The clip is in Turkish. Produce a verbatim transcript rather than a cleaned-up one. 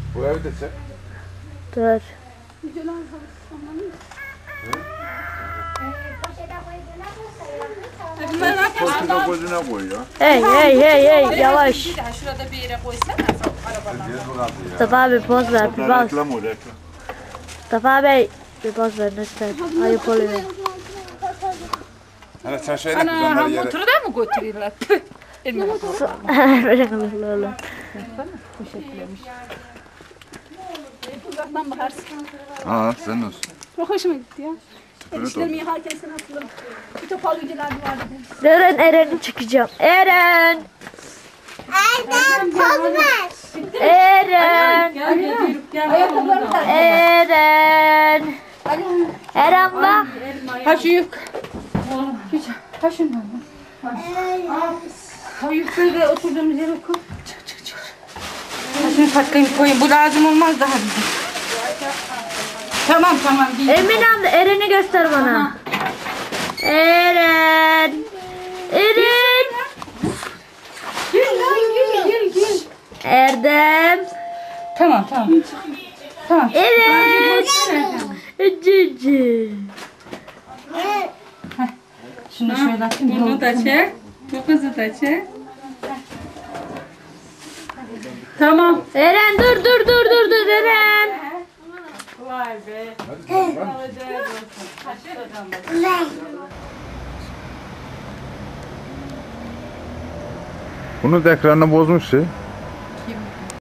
Bu evi de çek. Dur. Poşete gözüne koy ya. Hey hey hey hey yavaş. Şurada bir yere koysana arabadan. Mustafa abi poz ver bir bas. Reklam o reklam. Mustafa Bey bir poz ver lütfen. Ayıp oluyor. Hani sen şeyle Ana ha kızanları yere. motoru da mı götürüyorlar? Elime bak. Lolo. Poşetlemiş. Uzaktan bakarsın. Aa sen olsun. Çok hoşuma gitti ya. Evet, Enişlerimi yıkarken sen hatırladım. Bir toparlayıcılar vardı. Eren Eren'i çıkacağım. Eren. Eren poz ver. Eren. Gel gel gel. Ayakkabılarını tak. Eren. Eren bak. Ha şu yük. Ha şundan. Ha yükleri de oturduğumuz yere koy. Çık çık çık. Ha şunu takayım koyayım. Bu lazım olmaz daha bize. Tamam tamam. Giy. Emin abla Eren'i göster bana. Eren. Eren. Gel gel gel gel. Erdem. Tamam tamam. Tamam. Evet. Cici. Şunu şöyle atayım. Bunu da çek. Bu kızı da çek. Tamam. Eren dur dur dur dur dur Eren. Vay be. Bunu da ekranını bozmuş şey.